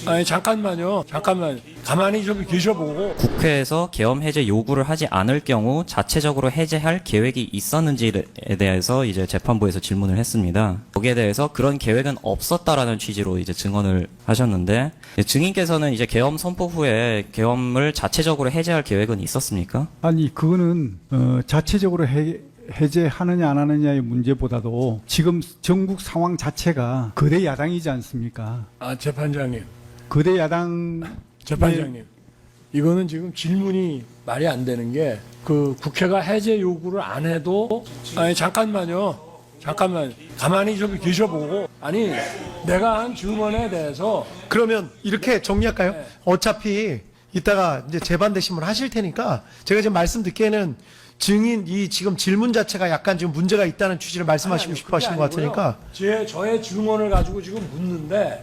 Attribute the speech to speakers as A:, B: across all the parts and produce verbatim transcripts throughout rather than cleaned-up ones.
A: 아니 잠깐만요. 잠깐만. 가만히 좀 계셔보고.
B: 국회에서 계엄 해제 요구를 하지 않을 경우 자체적으로 해제할 계획이 있었는지에 대해서 이제 재판부에서 질문을 했습니다. 거기에 대해서 그런 계획은 없었다라는 취지로 이제 증언을 하셨는데, 증인께서는 이제 계엄 선포 후에 계엄을 자체적으로 해제할 계획은 있었습니까?
C: 아니 그거는 어, 자체적으로 해, 해제하느냐 안 하느냐의 문제보다도 지금 전국 상황 자체가 거대 야당이지 않습니까?
A: 아 재판장님.
C: 거대 야당
A: 재판장님. 이거는 지금 질문이 말이 안 되는 게 그 국회가 해제 요구를 안 해도 아니 잠깐만요. 잠깐만. 가만히 좀 계셔보고. 아니 내가 한 증언에 대해서
D: 그러면 이렇게 정리할까요?
A: 네.
D: 어차피 이따가 이제 재반 대신을 하실 테니까 제가 지금 말씀 듣기에는 증인 이 지금 질문 자체가 약간 지금 문제가 있다는 취지를 말씀하시고
A: 아니,
D: 싶어 하시는 것
A: 그게 아니고요.
D: 같으니까
A: 제 저의 증언을 가지고 지금 묻는데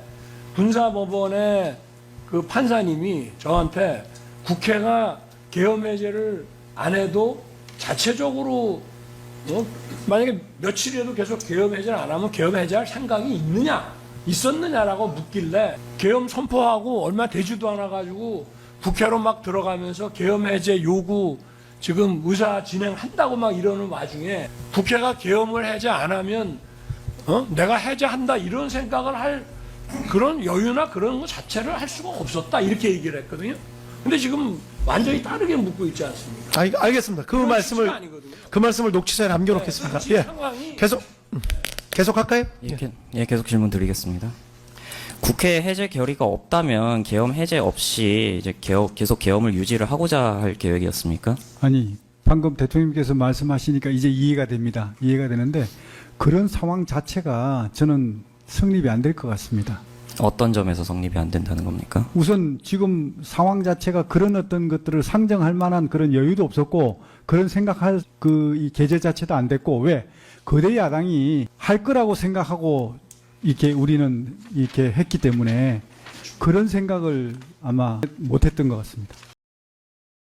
A: 군사법원의 그 판사님이 저한테 국회가 계엄 해제를 안 해도 자체적으로 어? 만약에 며칠이라도 계속 계엄 해제를 안 하면 계엄 해제할 생각이 있느냐 있었느냐라고 묻길래 계엄 선포하고 얼마 되지도 않아 가지고 국회로 막 들어가면서 계엄 해제 요구 지금 의사 진행한다고 막 이러는 와중에 국회가 계엄을 해제 안 하면 어? 내가 해제한다 이런 생각을 할 그런 여유나 그런 거 자체를 할 수가 없었다 이렇게 얘기를 했거든요. 근데 지금 완전히 다르게 묻고 있지 않습니까?
D: 알, 알겠습니다. 그
A: 그런
D: 말씀을
A: 취지가 아니거든요.
D: 그 말씀을 녹취서에 남겨놓겠습니다.
A: 네,
D: 예,
A: 상황이
D: 계속 음, 계속 할까요?
B: 예, 게- 예, 계속 질문 드리겠습니다. 국회 해제 결의가 없다면 계엄 해제 없이 이제 계엄, 계속 계엄을 유지를 하고자 할 계획이었습니까?
C: 아니 방금 대통령님께서 말씀하시니까 이제 이해가 됩니다. 이해가 되는데 그런 상황 자체가 저는 성립이 안 될 것 같습니다.
B: 어떤 점에서 성립이 안 된다는 겁니까?
C: 우선 지금 상황 자체가 그런 어떤 것들을 상정할 만한 그런 여유도 없었고 그런 생각할 그 이 계제 자체도 안 됐고 왜 거대 야당이 할 거라고 생각하고 이렇게 우리는 이렇게 했기 때문에 그런 생각을 아마 못했던 것 같습니다.